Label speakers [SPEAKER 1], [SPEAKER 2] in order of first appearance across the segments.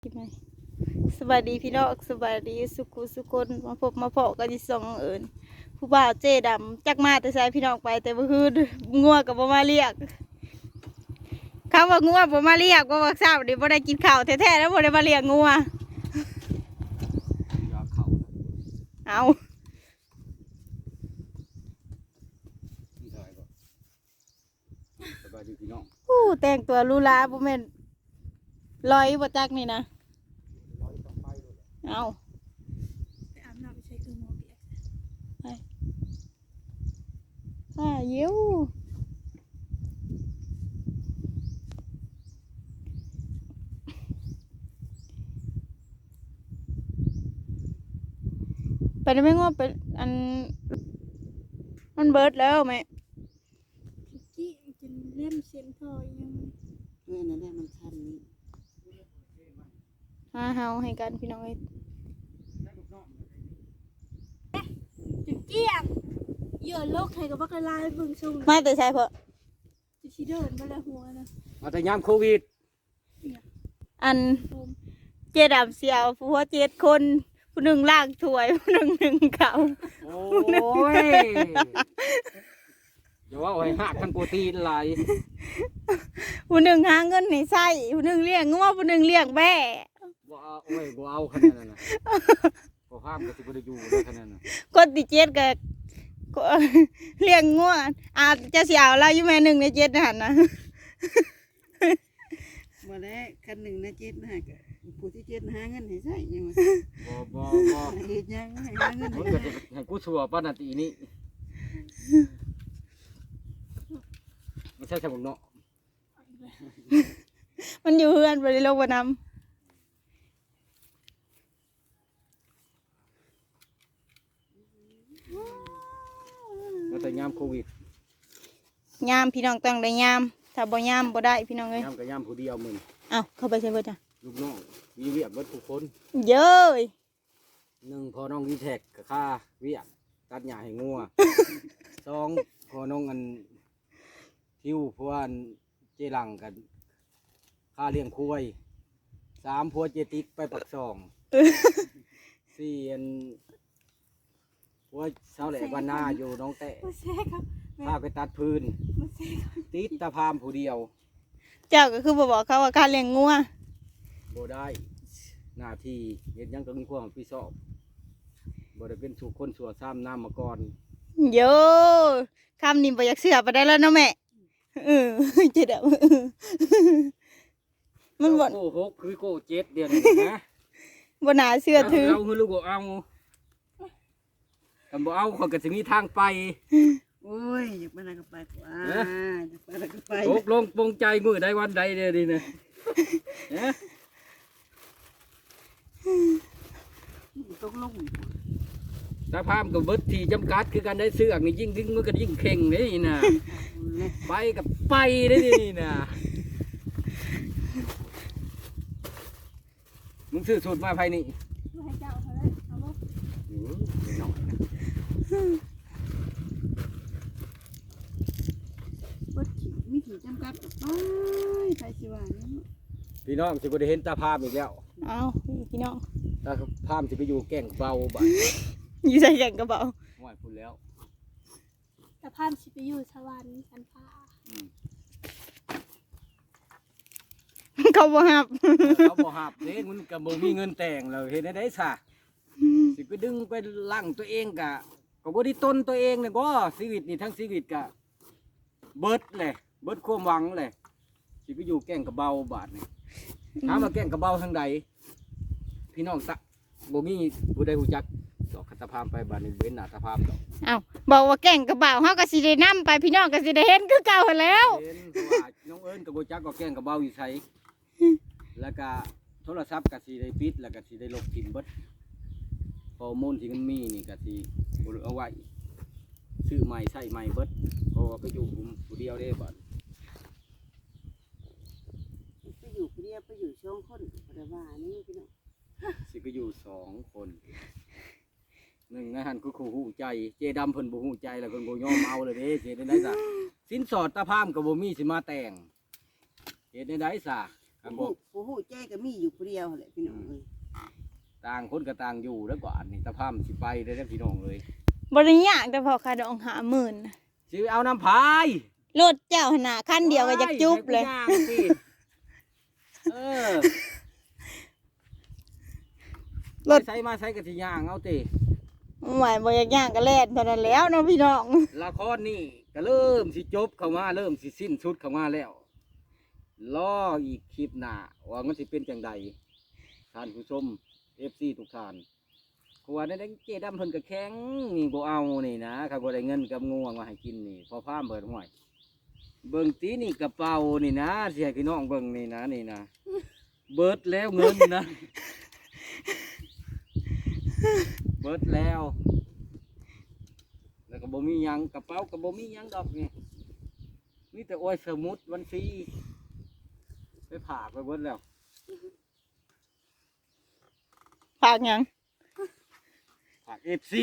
[SPEAKER 1] สวัสดีพี่น้องสวัสดีสุขุสุคนมาพบมาเพาะกันที่สองเอิญผู้บ่าวเจ๊ดำจักมาแต่ใส่พี่น้องไปแต่เมื่อคืนงัวกับบ่มาเรียกคำว่างัวบ่มาเรียกว่าทราบดิบ่ได้กินข้าวแท้ๆแล้วบ่ได้มาเรียกงัวเอา
[SPEAKER 2] สบายดีพี่น้อง
[SPEAKER 1] แต่งตัวลูลาบ่แม่นลอยบ่จักนี่นะเอา
[SPEAKER 3] ไปอาบน้ำไปใช้เครื่องมือเปียก
[SPEAKER 1] เยิ้วไปได้ไหมง้อไปอันมันเบิดแล้วไหม
[SPEAKER 3] กี้จนเล่มเส้นทอยัง
[SPEAKER 4] นั่นแหละมันชันนี่
[SPEAKER 1] เฮาให้กันพี่น้องเอ้ย
[SPEAKER 3] จุดเกี้ยงเยอะโลกไทยกับบักลายเบิ่งชม
[SPEAKER 1] มาแต่ใช่เพาะ
[SPEAKER 3] จะชี้เดินมาแล้วหัวนะ
[SPEAKER 2] มาแต่ยามโควิด
[SPEAKER 1] อันเจดำเสียวผัว7 คนผู้หนึ่งล้างถ้วยผู้หนึ่งหนึ่งเขา
[SPEAKER 2] โอ้ยอย่าว่าไอ้หักทั้งโปรตีนหลาย
[SPEAKER 1] ผู้หนึ่งหาเงินให้ใช้ผู้หนึ่งเลี้ยงงัวผู้หนึ่งเลี้ยงแบ่
[SPEAKER 2] บ่เอาโอ้ยบ่เอาขนาดนั้นน่ะบ่ห้ามก็สิบ่ได้อยู่เลยขนาดนั้นน่ะ
[SPEAKER 1] คนที่7ก็เลี้ยงงัวจะเสียวเราอยู่แม่1 ใน 7นั่นนะ
[SPEAKER 4] มาแล้วคันหนึ่งนะเจ็ดนะก็ผู้ที่เจ็ดหาเงินให้ใช้ยังไง
[SPEAKER 2] บ่
[SPEAKER 4] เฮ็ดยังให้หาเงิน
[SPEAKER 2] มัน
[SPEAKER 4] ให้
[SPEAKER 2] ก็จะให้กูสัวปานนาทีนี้ไม่ใช่สมุนเนาะ
[SPEAKER 1] มันอยู่เฮือนบ่ได้ลงบ่นำ
[SPEAKER 2] มาแต่ยามโควิด
[SPEAKER 1] ยามพี่น้องต้องได้ยามถ้าบ่ยามบ่ได้พี่น้องเอ้ย
[SPEAKER 2] ยามก็ยามผู้เดียวมึง
[SPEAKER 1] เอ้าเข้าไปใช่เบิดจ้ะ
[SPEAKER 2] ลูกน้องมีเวียกเบิดทุกคน
[SPEAKER 1] เย้ย
[SPEAKER 2] 1พอน้องวีแท็กก็ค่าเวียกตัดหญ้าให้งัว 2พอน้องอันทิวเพราะว่าอันเจรังกันค่าเลี้ยงควาย3พัวเจติกไปปักซอง4อันพัวเสาแหลกวันหน้าอยู่น้องแตะ
[SPEAKER 3] มาแซ่ครับ
[SPEAKER 2] พาไปตัดพื้น
[SPEAKER 3] มาแซ่ครับ
[SPEAKER 2] ติดตาพามผู้เดียว
[SPEAKER 1] เจ้าก็คือบ่บอกเขาว่าการเลี้ยงงัว
[SPEAKER 2] บ่ได้หน้าที่เฮ็ดหยังก็มีความรับผิดชอบบ่ได้เป็นสู่คนสัวซ้ำน้ำมาก่อน
[SPEAKER 1] โยคำนี้บ่อยากเชื่อไปได้แล้วเนาะแม่เจ็ดอะมันบ่
[SPEAKER 2] โก้6คือโก้7เดือนนี้นะ
[SPEAKER 1] บ่น่าเชื่อถือ
[SPEAKER 2] เอาคือลูกบ่เอาคันบ่เอาคนก็สิมีทางไป
[SPEAKER 4] โอ้ยอยากไปไหนก็ไปกว่าอยากไปไหนก็ไป
[SPEAKER 2] ตกลงปรงใจมื้อใดวันใดเด้อนี่นะฮะ
[SPEAKER 4] ตกลง
[SPEAKER 2] ตาพามก็เบิดที่จำกัดคือกันได้เสือกนี่ยิ่งดึงมันก็ยิ่งเข่งนี่นะไปกับไปได้นี่นะมึงซื้อสูตรมาภายนี่
[SPEAKER 3] มาให้เจ้าเขาเลยเอาลูก
[SPEAKER 2] น้อยนะ
[SPEAKER 4] บ่มีที่จำกัดไปไปสิว่านี่
[SPEAKER 2] พี่น้องสิบ่ได้เห็นตาพามอีกแล้ว
[SPEAKER 1] เอาพี่น้อง
[SPEAKER 2] ตาพามสิไปอยู่แก่งเบาบ่
[SPEAKER 1] อยู่ใส่แข่งกระเป๋า
[SPEAKER 2] ห้อยพูดแล้ว
[SPEAKER 3] แต่พามสิไปอยู่สวรรค์กันฟ้า
[SPEAKER 1] เขาบ่ฮับ
[SPEAKER 2] เขาบ่หับเด้มันก็บ่มีเงินแต่งแล้วเฮ็ดได้ซะสิไปดึงไปลั่งตัวเองก็บ่ได้ต้นตัวเองเลยบ่ชีวิตนี่ทั้งชีวิตก็เบิดเลยเบิดความหวังเลยสิไปอยู่แก่งกระเบาบาดนี่ถามว่าแก่งกระเบาทางใดพี่น้องตะบ่มีผู้ใดรู้จักดอกคัตภาพไปบาดนี้เว้นหน้าตาภาพดอก
[SPEAKER 1] เอาบอกว่าแก่งกระเป๋าเฮาก็สิได้นํไปพี่น้องก็สิได้เห็นคือเก่าหั้นแล้ว
[SPEAKER 2] เห็นเพราะว่าน้องเอิ้นก็บ่จักก็แก่งกระเบาอยู่ไสแล้วก็โทรศัพท์ก็สิได้ปิดแล้วก็สิได้ลบทิ่มเบิดข้อมูลที่มันมีนี่ก็สิบ่เอาไว้ซื้อใหม่ใช้ใหม่เบิดเพราะว่าไปอยู่ผู้เดียวเด้บัด
[SPEAKER 4] ไปอยู่คนเดียวไปอยู่ช่องคนบ่ได้ว่านี่พี่น้อง
[SPEAKER 2] สิไปอยู่2 คนหนึ่งนะฮันคือคู่หูใจเจดำเพิ่นบ่หูใจแล้วเพิ่นบ่ยอมเอาเลยเด้เฮ็ดได้ซะสินสอดตาพามก็บ่มีสิมาแต่งเฮ็ดได้ซะ
[SPEAKER 4] ผู้ฮู้ใจก็มีอยู่ผู้เดียวแหละพี่น้องเอ้ย
[SPEAKER 2] ต่างคนก็ต่างอยู่แล้วกว่านี่ตะพามสิไปได้แล้วพี่น้องเลย
[SPEAKER 1] บริยากแต่พอค่าดอง50,000น่ะ
[SPEAKER 2] สิเอาน้ำพาย
[SPEAKER 1] รถเจ้าหน้าคันเดียวก็อยากจุบเลย
[SPEAKER 2] ให้กูางสิเออ
[SPEAKER 1] รถ
[SPEAKER 2] ใช้มาใช้กะทิย่างเอาติ
[SPEAKER 1] หมายบ่อยากย่างก็แล่นเท่านั้นแล้วเนาะพี่น้อง
[SPEAKER 2] ละครนี่ก็เริ่มสิจบเข้ามาเริ่มสิสิ้นสุดเข้ามาแล้วรออีกคลิปหน้าว่ามันสิเป็นจังใดท่านผู้ชม FC ทุกท่านเพราะว่าในเจดำเพิ่นก็แข็งนี่บ่เอานี่นะถ้าบ่ได้เงินกับง่วงมาให้กินนี่พอพามเบิดห้วยเบิ่งตีนี่กระเป๋านี่นะสิให้พี่น้องเบิ่งนี่นะนี่นะเบิดแล้วเงินนะ เบิดแล้ว แล้วก็บ่มีหยังกระเป๋าก็บ่มีหยังดอกนี่มีแต่โอ้ยสมุดวันฟรีไปผ่ากไปเบิดแล้ว
[SPEAKER 1] ฝากหยัง
[SPEAKER 2] ผากFC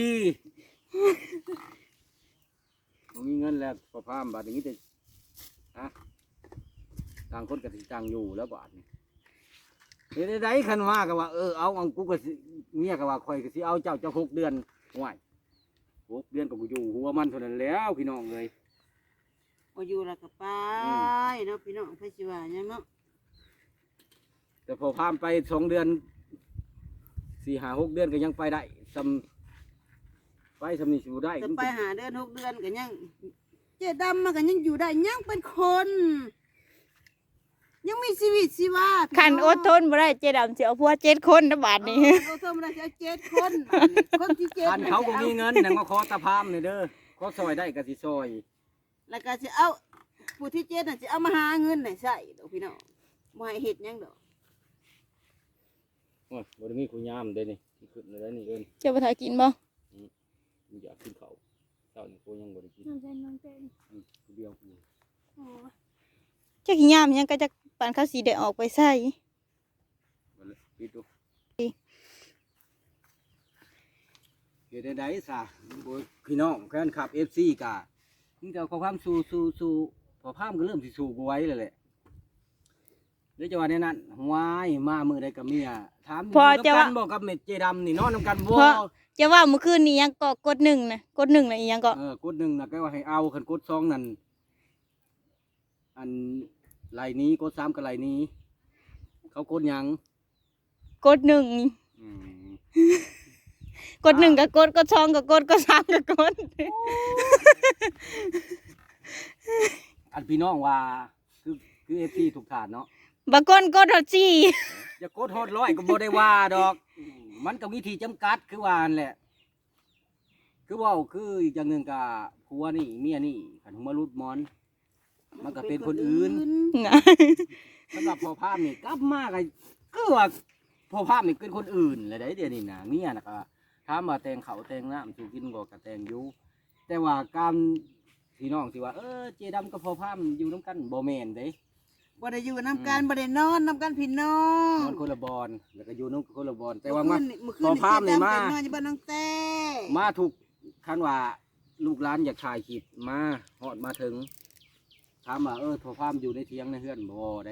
[SPEAKER 2] บ่มีเงินแล้วพอพามบาดนี้แต่ฮะต่างคนก็สิต่างอยู่แล้วบาดนี้เฮ็ดได้คันว่าก็ว่าเอากูก็สิเมียก็ว่าข่อยก็สิเอาเจ้า6 เดือนห่วย6 เดือนก็บ่อยู่หัวมันเท่านั้นแล้วพี่น้องเอ้ย
[SPEAKER 4] บ่อยู่แล้วก็ไปเนาะพี่น้องไผสิว่าหยังเนาะ
[SPEAKER 2] แต่พอพามไป2 เดือน4-5-6 เดือนก็ยังไปได้ไปสำนี่สิบ่ได้
[SPEAKER 4] จะไปหาเดือน6 เดือนก็ยังเจ๊ดำมันก็ยังอยู่ได้ยังเป็นคน ยังมีชีวิตชีวา
[SPEAKER 1] คันอดทนบ่ได้เจดำสิเอาผัว7 คนนะบาดนี้
[SPEAKER 4] อดทนบ่ได้จะ7 คนบัดนี้คนที่7
[SPEAKER 2] ท่านเขาก็มีเงินนั่นก็ขอตะพามนี่เด้อขอซอยได้ก็สิซอย
[SPEAKER 4] แล้วก็สิเอาผู้ที่7น่ะสิเอามาหาเงินให้ใช้ดอกพี่น้องบ่ให้เฮ็ดหยังดอก
[SPEAKER 2] โอ้ยบ่ได้มีคุยามเด้นี่ที่ขึ้นเลยนี่เอิ้น
[SPEAKER 1] เจ้าบ่ทากินบ่
[SPEAKER 2] อยากกินข้าวเช้านี่กูยังบ่ได้กิน
[SPEAKER 3] น้องเต้นน้องเต้น
[SPEAKER 2] ผู้เดียวกู
[SPEAKER 3] โอ้
[SPEAKER 1] เจ้าขี้ยามหยังก็จะปานเขาสิได้ออกไปใส่
[SPEAKER 2] บ่เลยปิดดูเฮ็ดได้ซะบ่พี่น้องแฟนคลับ FC ก็นี่ก็ขอความสู้พอพามก็เริ่มสิสู้บ่ไหวแล้วแหละเดี๋ยวจะว่าในนั้นวายมามื้อใดก็เมียถามอยู่นำกันบ่กับเม็ดเจดำนี่นอนนํกันบ่
[SPEAKER 1] จะว่าเมื่อคืนนี้ยังก็กด1นะกด1น่ะอีหยังก็
[SPEAKER 2] กด1น่ะก็ว่าให้เอาคันกด2นั่นอันไหลนี้กด3ก็ไหลนี้ เขากดหยัง
[SPEAKER 1] กด1
[SPEAKER 2] อืม
[SPEAKER 1] กด1ก็กด2ก็กด3ก็กด
[SPEAKER 2] อันพี่น้องว่าคือ FC ทุกฐานเนาะ
[SPEAKER 1] บางคนกดเอาจี้
[SPEAKER 2] อย่ากดโหดร้อยก็บ่ได้ว่าดอก มันก็มีที่จำกัดคือว่านั่นแหละ คือเว่าคืออีกอย่างหนึ่งกับผัวนี่เมียนี่ขันหัวรุดมอน มันก็เป็นคนอื่น
[SPEAKER 1] นะ
[SPEAKER 2] สำหรับพ่อภาพนี่กลับมาก็คือว่าพ่อภาพนี่เป็นคนอื่นเลยได้เดี๋ยวนี้นะเมียน่ะก็ถามว่าแต่งเขาวแต่งน้ำสู่กินก็แต่งอยู่ แต่ว่าการพี่น้องสิว่าเจดำกับพ่อภาพอยู่น้ำกันบ่แม่นเด้
[SPEAKER 4] บ่ได้อยู่นํกันบ่ได้นอนนํกันพี่น้อน ง
[SPEAKER 2] อนคนละบอนแล้วก็อยู่น้ำคนละบอนแต่ว่ามา
[SPEAKER 4] มื้อคื
[SPEAKER 2] พอน ภาพนี่มา
[SPEAKER 4] เจ๊ดำไปนอนอยู่บ้านน้องแต้
[SPEAKER 2] มาถูกคันว่าลูกหลานอยากถ่ายคลิปมาฮอดมาถึงถามว่าพอพามอยู่ในเทียงในเฮือนบ่ได้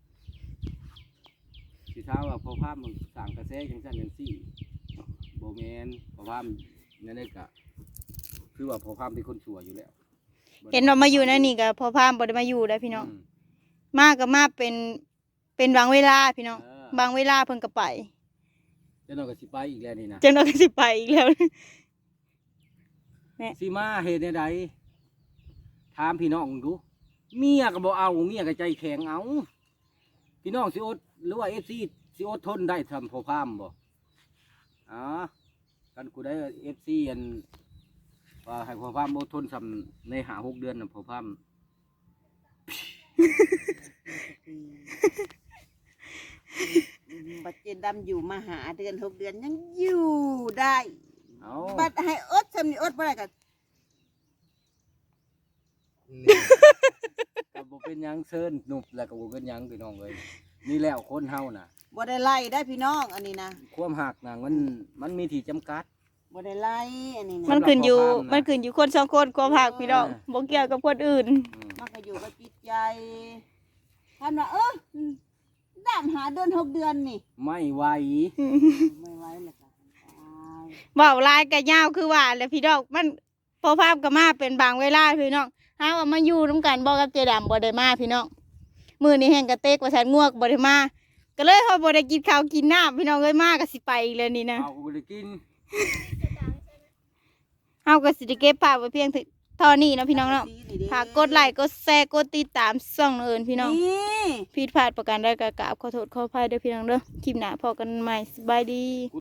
[SPEAKER 2] สิถามว่าพอพามมันสร้างกระแสจังซั่นจังซี่บ่แม่นพอพามนั่นเด้ก็คือว่าพอพามเป็นคนชั่วอยู่แล้ว
[SPEAKER 1] เห็นว่ามาอยู่ในนี่ก็พอพามบ่ได้มาอยู่ได้พี่น้อง
[SPEAKER 2] อืม
[SPEAKER 1] มาก็มาเป็นบางเวลาพี่น้อง บางเวลาเพิ่นก็ไป
[SPEAKER 2] เจ้าน้อยก็สิไปอีกแล้วนี่นะ
[SPEAKER 1] จังนั้นก็สิไปอีกแล้ว
[SPEAKER 2] สิมาเฮ็ดใดถามพี่น้องดูเมียก็บ่เอาเมียก็ใจแข็งเอาพี่น้องสิอดหรือว่า FC สิอดทนได้ทำพอพามบ่อ๋อกันกูได้ FC อันว่าให้พอพามอดทนทำใน5-6 เดือนน่ะพอพาม
[SPEAKER 4] บัดเจ๊ดำอยู่มาหาเดือน6 เดือนยังอยู่ได้
[SPEAKER 2] เอา
[SPEAKER 4] บัดให้อดซำนี่อดบ่ได้ก็
[SPEAKER 2] ก็บ่เป็นหยังเซินหนุบแล้วก็บ่เป็นหยังพี่น้องเอ้ยนี่แล้วคนเฮาน่ะ
[SPEAKER 4] บ่ได้ไล่ได้พี่น้องอันนี้นะ
[SPEAKER 2] ความหักน่ะมันมีที่จำกัด
[SPEAKER 4] บ่ได้ไล่อันนี้นะ
[SPEAKER 1] มันขึ้นอยู่
[SPEAKER 2] สำหรับพอพามนะ
[SPEAKER 1] มันขึ้นอยู่คนสองคนความหักพี่น้องบ่เกี่ยวกับคนอื่น
[SPEAKER 2] อืม
[SPEAKER 4] มันก็อยู่กับจิตใจท่านว่าด้านหาเดือน6 เดือนนี่
[SPEAKER 2] ไม่ไหว
[SPEAKER 4] ไม่ไหวแล้วก็ตาย
[SPEAKER 1] เว้าลายกะยาวคือว่าแหละพี่น้องมันพอภาพก็มาเป็นบางเวลาพี่น้องหาว่ามาอยู่นํกันบ่กับเจดํบ่ได้มาพี่น้องมื้อนี้แห่งกระเตกว่าซั่นงวกบ่ได้มาก็เลยเฮาบ่ได้กินข้าวกินน้ำพี่น้องเอ้ยมาก็สิไปอีกแล้วนี่นะ
[SPEAKER 2] เอาบ่ได้กิน
[SPEAKER 1] เฮาก็สิได้เก็บภาพไว้เพียงเท่านี้เนาะพี่น้องเนาะฝากกดไลค์กดแชร์กดติดตามช่องเอิญพี่น้อง
[SPEAKER 4] นี่
[SPEAKER 1] ผิดพลาดประการใดก็กราบขอโทษขออภัยเด้อพี่น้องเด้อคลิปหน้าพอกันใหม่สบายดี